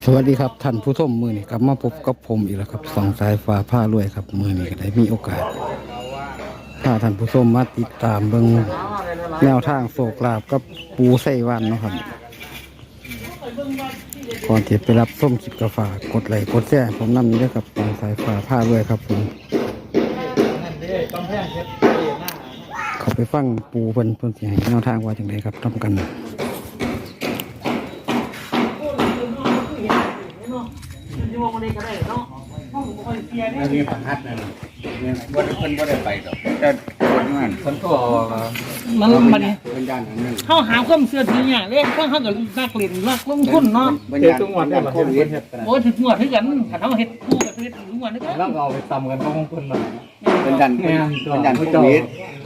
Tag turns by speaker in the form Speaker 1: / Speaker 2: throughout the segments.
Speaker 1: สวัสดีครับท่านผู้ชมมือนี้กลับมาพบกับผมอีกแล้วครับสองสายฟ้าผ้ารวยครับมือนี้ก็ได้มีโอกาสถ้าท่านผู้ชมมาติดตามเบิ่งแนวทางโศกลาบกับปูไส้วันเนาะครับก่อนที่ไปรับส้มคลิปกาฝากกดไลค์กดแชร์ผมนำนี้ด้วยครับสองสายฟ้าผ้ารวยครับผมเขาไปฟังปูเพิ่นสิให้แนวทางว่าจังไดครับทำกัน
Speaker 2: อันนี้ประหัดนั่นเนี่ยวันเพิ่นบ่ได้ไปดอกแต่คนงานเพิ่นก็
Speaker 3: มันบัดนี้
Speaker 2: เพิ่นย่านอันนั้น
Speaker 3: เขาหาความเชื่อถือเนี่ยเรื่องเขากับนักเรียนนักลงทุนเนาะ
Speaker 2: เพิ่นย่านจังหวัดโควิด
Speaker 3: โอ้ถึงหมวดให้กันถ้าเขาเฮ็ดคู่กับเฮ็ดถึงหมวดให้กัน
Speaker 4: แล้วเอาไปตำกันก็คงคนมา
Speaker 2: เพิ่นย่านโควิด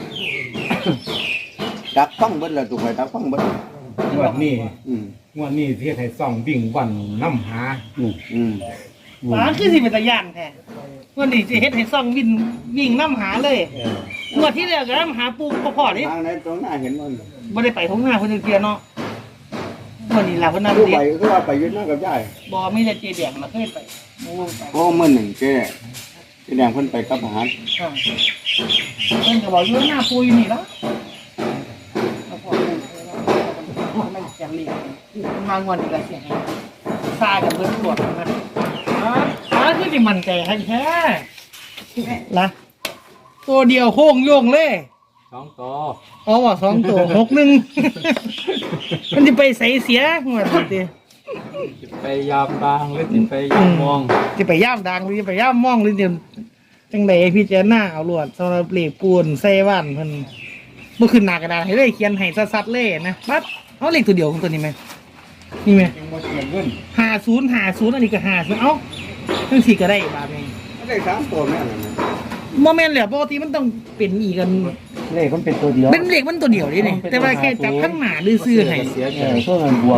Speaker 2: ดักฟังเบิดแล้วถูกไหมดักฟังเบิด
Speaker 4: งวดนี้
Speaker 2: อืม
Speaker 4: งวดนี้ที่ให้ส่องวิ่งวันน้ำหา
Speaker 2: อืม
Speaker 3: หาคือสิเป็นตะย่านแท้วันนี้จะเฮ็ดให้ซ่องวิ่งน้ำหาเลยงวดที่แล้วก็น้ำหาปูพ่อๆนี่
Speaker 2: ทางไหนตรงหน้าเห็นบ่
Speaker 3: บ่ได้ไปทุ่งนาเพิ่นเกียเนาะวันนี้ล่ะเพิ่นน่ะ
Speaker 2: ผู้
Speaker 3: เด็
Speaker 2: ไปคือว่าไปยึดหน้ากับยาย
Speaker 3: บ่มีแต่เจแดงมาเคยไปบ่วงไป
Speaker 2: โอ้มื้อหนึ่งเจ๊แดงเพิ่นไปกับอาหาร
Speaker 3: ค่ะเพิ่นก็บอกอยู่หน้าปูอยู่นี่ล่ะแล้วพอปูไม่แข็งเรียนมางวันนี้ก็เสียให้ซากับเพิ่นตำรวจมาคือสิมั่นใจให้แท้ล่ะตัวเดียวโค้งโยงเลย
Speaker 4: สองต่อ
Speaker 3: อ๋อว่า2ตัว6-1มันสิไปใส่เสียงวดนี้ติ
Speaker 4: ไปยามบางหรือไปยามมอง
Speaker 3: สิไปย่ามดังหรือสิไปย่ามมองหรือเดี๋ยวจังไดพี่เจ้าหน้าเอาลวดสำหรับเลขปูนใส่ว่านเพิ่นบ่ขึ้นหน้ากระดาษให้เลยเขียนให้ซัดๆเลยนะปั๊บเอาเลขตัวเดียวของตัวนี้ไหมนี่ไหม
Speaker 4: ยังบ่เสียเงิน
Speaker 3: 50อันนี้ก็50เอ้าจังสี่ก็ได้บาทนึง
Speaker 2: ได้3ตัวแม่นนะ
Speaker 3: บ่แม่นแล้วปกติมันต้องเป็นอีกกัน
Speaker 4: เลขมันเป็นตัวเดียว
Speaker 3: เป็นเลขมันตัวเดียวนี่แต่ว่าแค่จับข้างหน้าหรือซื้อให้
Speaker 4: เสียเงินช่วงเงินบวก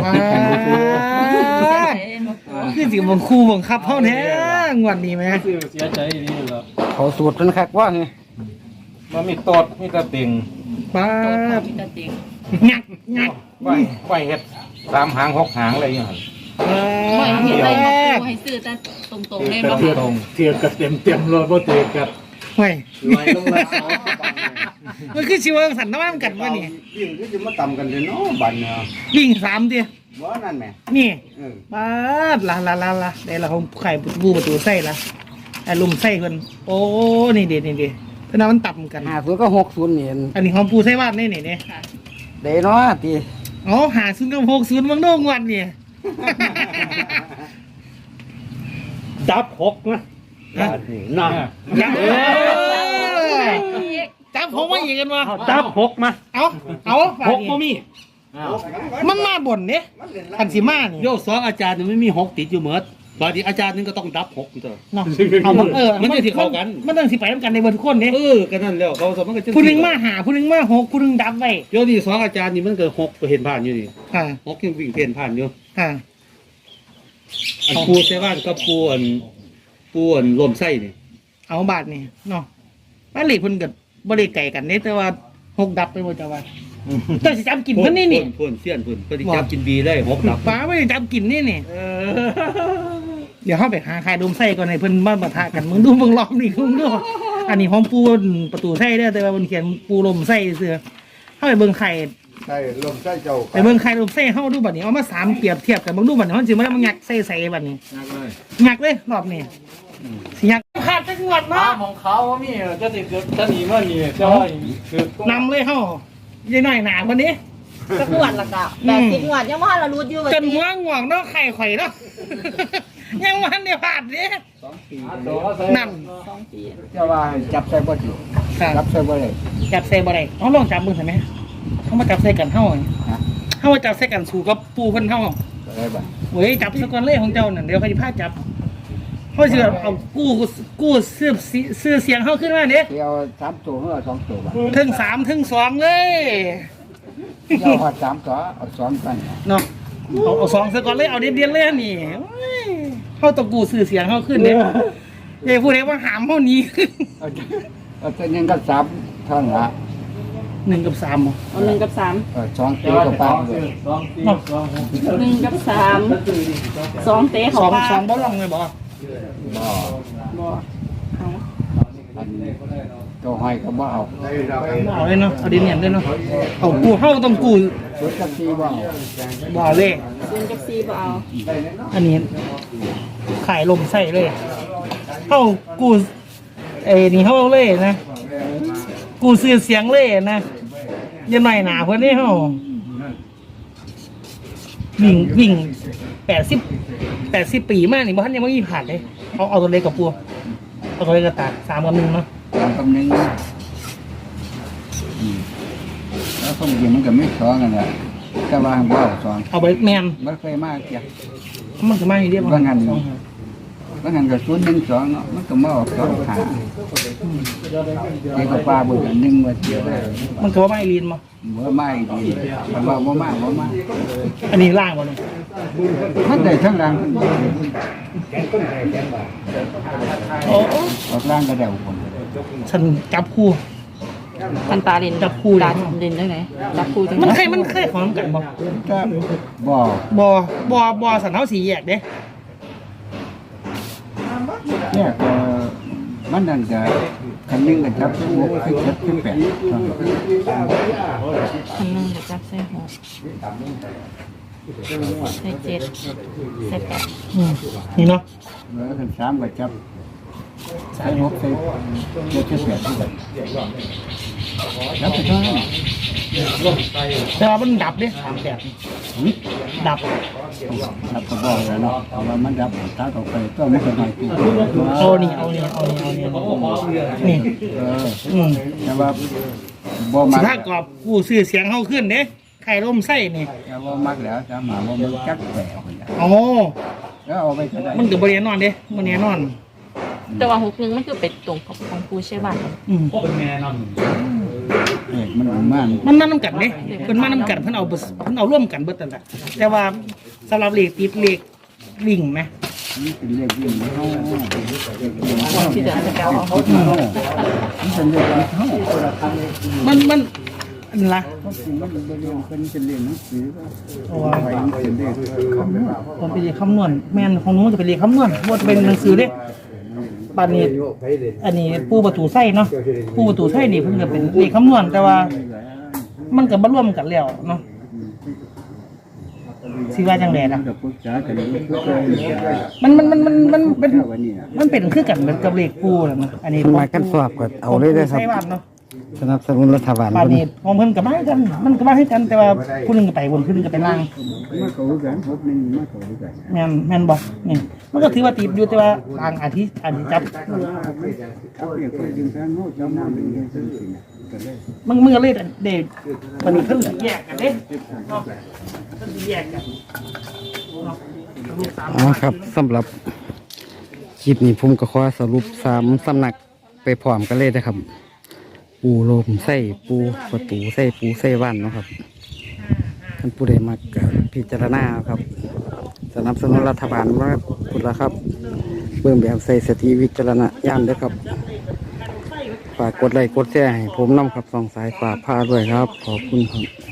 Speaker 3: คือสิบังคู่บังคับเฮาแท้งวดนี้แหม
Speaker 4: เสียใจนี่เหรอ
Speaker 1: เขาสูตรนั้นคักว่าไง
Speaker 4: มันมีตดมีกระติ่ง
Speaker 3: ป๊าบงัก
Speaker 4: ไหวเฮ็ด3 หาง 6 หางอะไรอย่างเงี้ย
Speaker 5: ไม่เห็น
Speaker 3: แร
Speaker 5: อะไร
Speaker 3: ก
Speaker 5: ให้ซื้อแต่ตรงๆเลย
Speaker 4: แต่
Speaker 5: บ่
Speaker 4: เทียบเทียบกับเต็มรถบ่เทียบกับ
Speaker 3: เฮ้ย
Speaker 2: ลอยลงมา
Speaker 3: มันคือชีวสันน้ำกันวะนี่
Speaker 2: ยิ่งคือจะมาต่ำกันเลยเนาะบัดเนาะ
Speaker 3: วิ่ง3เดียว
Speaker 2: บ่นั่นแหม
Speaker 3: นี่
Speaker 2: เออ
Speaker 3: ป๊าดละได้ละของไข่ประตูไส้ละไอ้ลุมไส้เพิ่นโอ้นี่เด็ดเพราะนั้นมันต่ำกัน
Speaker 1: 50ก็60นี่
Speaker 3: อันนี้ของปูไส้วาดนี่เด้
Speaker 1: เด้เนาะติ
Speaker 3: อ๋อ50กับ60บางโน่งวันนี่
Speaker 4: จับ6นะน่ะ
Speaker 3: จับผมมาอีกกันวะ
Speaker 4: จับ6มา
Speaker 3: เอา6บ่มีมันมาบ่นเด้คันสิมานี่
Speaker 6: โยก2อาจารย์ไม่มี6ติดอยู่เหมือนบางทีอาจารย์นึงก็ต้องดับ6อยู่เถอะ
Speaker 3: เนาะเอามัน
Speaker 6: มันจะสิเข้ากัน
Speaker 3: มันต้องสิไปนำกันในเบิดคนเด้
Speaker 6: ก็นั่นแล้วเขาสมมันก็จะ
Speaker 3: ผู้หนึงมาหาผู้หนึงมา6ผู้หนึงดับไว้
Speaker 6: โยกที่2อาจารย์นี่มันก็6เห็นผ่านอยู่นี่
Speaker 3: ค่ะ
Speaker 6: 6ยังวิ่งเห็นผ่านอยู่
Speaker 3: ค่ะ
Speaker 6: อันปูเซว่านกับปูอันลมไส้นี่
Speaker 3: เอาบาทนี่เนาะบ้านเหล็กเพิ่นก็บ่ได้ไกลกันเด้แต่ว่า6ดับไปบ่จ้าว่าแต่สิจับกินเพิ่นนี่
Speaker 6: พ่นเสี้ยนพ่นก็สิจับกินบีได้6ดับ
Speaker 3: ป้าไม่ได้จับกินนี่เดี๋ยวเฮาไปหาใครดมไส้ก่อนให้เพิ่นมาปะทะกันมึงดูเบิ่งล้อมนี่มึงดูอันนี้ของปูประตูไส้เด้อแต่ว่าเพิ่นเขียนปูลมไส้เสื้อเฮาไปเบิ่งไข่
Speaker 2: ใช่ลมใส่เจ้า
Speaker 3: ไปเบิ่งไข่ลมไส้เฮาดูบัดนี้เอามา3เปรียบเทียบกันเบิ่งดูบัดนี้มันสิมางักไส้ใส่บัดนี้งักเลยรอบนี้สิงักขาดจังหวัดเนาะ
Speaker 4: ของเขาว่ามีจะติดจะหนีมานี่จะคือน
Speaker 3: ำเลยเฮาใหญ่หน่อยหนาบัดนี้
Speaker 5: สักงวดละกะ80งวดยังว่าเรารู้อยู่ว่า
Speaker 3: จนหัวงอกเนาะไข่ข่อยเนาะ ยังวันเดียวผ่านเนี่ยนั่น
Speaker 5: 2 ปี
Speaker 2: จะว่าจับใส่บ่อยู่
Speaker 3: ครับ
Speaker 2: จับใส่บ่ได้
Speaker 3: จับใส่บ่ได้เอาลองจับมือใช่ไหมเขามาจับใส่กันเท่าเขามาจับใส่กันสู่กับปูเพิ่นเท่า
Speaker 2: ได้บ่
Speaker 3: เว้ยจับสกอนเล่ของเจ้านั่นเดี๋ยวเขาจะพาจับเขาจะเอากู้เสื้อเสียงเขาขึ้นมาเนี่ย
Speaker 2: เที่ยว3ตัวหรือ2ตัวบ่
Speaker 3: ถึง3ถึง2เลย
Speaker 2: เที่ยวฮอด3ตัวเอา2กัน
Speaker 3: เนาะเอา2สกอนเลยเอาเดียนเลยนี่เขาตะกู้ซื้อเสียงเขาขึ้นเนี่ยอย่าพูดเลยว่าหามเขานี้
Speaker 2: เอาแต่ยังก็3เท่านั้นละ
Speaker 3: 1 กับ 3บ่
Speaker 5: เอา1 กับ
Speaker 2: สองตีกับปลาเลย
Speaker 5: 3 1 กับ 3 2เตะเขาปลา
Speaker 3: 2บ่ลองเลยบ่
Speaker 2: บ่
Speaker 5: บ่เอา
Speaker 2: อันนี้ตัวหอยก็บ่เอา
Speaker 3: บ่เอาเลยเนาะเอาดินเนี่ยเลยเนาะเอากูเฮาต้องกู
Speaker 2: ชุดกับซีบ่เอา
Speaker 3: บ่เอาเลย
Speaker 5: 0กับ4บ่เอา
Speaker 3: อันนี้ขายลมใส่เลยเฮากูนี่เฮาเลยนะกูซื้อเสียงเลยนะอยังหน่อยหนาเพิ่นนี่เฮาวิ่ง80ปีมากนี่บ่ทันยังบ่มีผ่านเลยเอาตัวเล็กกับปัวเอาตัวเล็กกับตาก3 กับ 1เนาะ
Speaker 2: ตามกำนึงแล้วคนจริงมันก็ไม่สองกันแหละแต่ว่าบ่เอาสอง
Speaker 3: เอาไปแมน
Speaker 2: มันเคยมากเกี่ยว
Speaker 3: มันก็มาอยู่เดียว
Speaker 2: ว่างั้น แล้วงั้นก็ศูนย์หนึ่งสองเนาะมันก็มาออกสองหาไอ้กับปลาเบอร์หนึ่งว่าเดียว
Speaker 3: มันก็ว่าไม่ลีนมา
Speaker 2: เบอร์ไม่ดีแต่ว่าบ่มากบ่มาก
Speaker 3: อันนี้ล่างบ่เนี่ย
Speaker 2: มันได้ทั้งล่าง
Speaker 3: โอ้
Speaker 2: ออกล่างก็ได้คน
Speaker 3: ฉันจับคู่
Speaker 5: คันตาเล่น
Speaker 3: จับคู่เลย
Speaker 5: ตาเล่นได้ไหนจับคู่จัง
Speaker 3: มัน
Speaker 5: ได๋
Speaker 3: เคยของกันบ่
Speaker 2: ก็บ่
Speaker 3: บ่สันเท้าสีแยกเด้
Speaker 2: เนี่ยก็มันนั่นก็คันหนึงก็จับคู่คือ7คือ8
Speaker 5: คันนึงเดี๋ยวจับใส่6ใส่7ใส่8
Speaker 3: นี่เนาะ
Speaker 2: แล้วคัน3ก็จับใส่6ใส่7คือ8คือกันจับไปเท่านั้น
Speaker 3: แต่ว่ามันดับเด้38ดับ
Speaker 2: ครับก็บอกแล้วเนาะว่ามันดับตาออกไปก็ไม่เป็นไรตัว
Speaker 3: เอานี่นี่
Speaker 2: แต่ว่าบ่
Speaker 3: สิ
Speaker 2: มัก
Speaker 3: ถ้ากรอบกูซื้อเสียงเฮาขึ้นเด้ไข่ลมไส้นี่
Speaker 2: แต่ว่ามักแล้วจะมาว่ามันจักแปลกคนละ
Speaker 3: โอ้
Speaker 2: แล้วเอาไปก็ได้
Speaker 3: มันก็บ่แน่นอนเด้บ่แน่นอน
Speaker 5: แต่ว่า6 1มันคือเป็นตรงกับของผู้ใช่บ้าน
Speaker 2: เอกมันมัน
Speaker 3: มันมานํกันเด้เพิ่นมานํกันเพิ่นเอาร่วมกันเบิดนั่นแหละแต่ว่าสำหรับเลขติดเลขวิ่งไหม
Speaker 2: นี่เป็นเรื่องยิ่งเฮา
Speaker 5: ที่เดี๋ยวจะเอา
Speaker 2: มันเป็นเรื่องเฮา
Speaker 3: มันอันละ
Speaker 2: เพราะจริงมันเป็นเรื่องเป็นเรื่องหนังสือก็
Speaker 3: เพราะว่า
Speaker 2: ไว้มันเป็นเรื่องคำนวณ
Speaker 3: ผมเป็นเลขคำนวณแม่นของหนู้นจะเป็นเลขคำนวณบ่จะเป็นหนังสือเด้บัดนี้อันนี้ปูประตูไส้เนาะปูประตูไส้นี่เพิ่นก็เป็นเลขคำนวณแต่ว่า มันก็บ่รวมกันแล้วเนาะสิว่าจังไดล่ะ
Speaker 2: จะปรึกษากันอยู่คือกัน
Speaker 3: มันเป็น
Speaker 2: วันนี้น่ะ
Speaker 3: มันเป็นคือกันเหมือนกับเลขปูนั่นนะอันนี้
Speaker 1: มันมากันสอบก็เอาเลยได้อครับ
Speaker 3: ใช่บ้านเนาะ
Speaker 1: สนับสนุนรัฐบาล
Speaker 3: บ้าน
Speaker 1: เพิ่น
Speaker 3: นี้ของเพิ่นก็มาให้กัน มันก็มาให้กันแต่ว่าผู้หนึงก็ไปบนผู้หนึงก็ไปล่าง
Speaker 2: มาเขากันพบนึงมาเขากัน
Speaker 3: แม่นบ่นี่มันก็ถือว่าติดอยู่แต่ว่าทางอาทิจับ
Speaker 2: เอาเรียกไปดึงทางโน้ตจำนำเป็นเรื่องจริงๆก็ได้
Speaker 3: มึงก็เลยเด็กวันนี้เพิ่นแยกกันเด้เนาะเพิ่นแยกกันเนาะลูกสาม
Speaker 1: อ๋อครับสำหรับคลิปนี้ผมก็ขอสรุป3สำนักไปพร้อมกันเลยนะครับ ปูลมไส้ปูประตูไส้ปูไส้ว่านเนาะครับท่านผู้ใดมักก็พิจารณาครับ สนับสนุนรัฐบาลว่าพุทธละครับเบิ่งแบบใส่สติวิจารณญาณด้วยครับ ฝากกดไลค์กดแชร์ให้ผมนำครับสองสายฝากพาด้วยครับ ขอบคุณครับ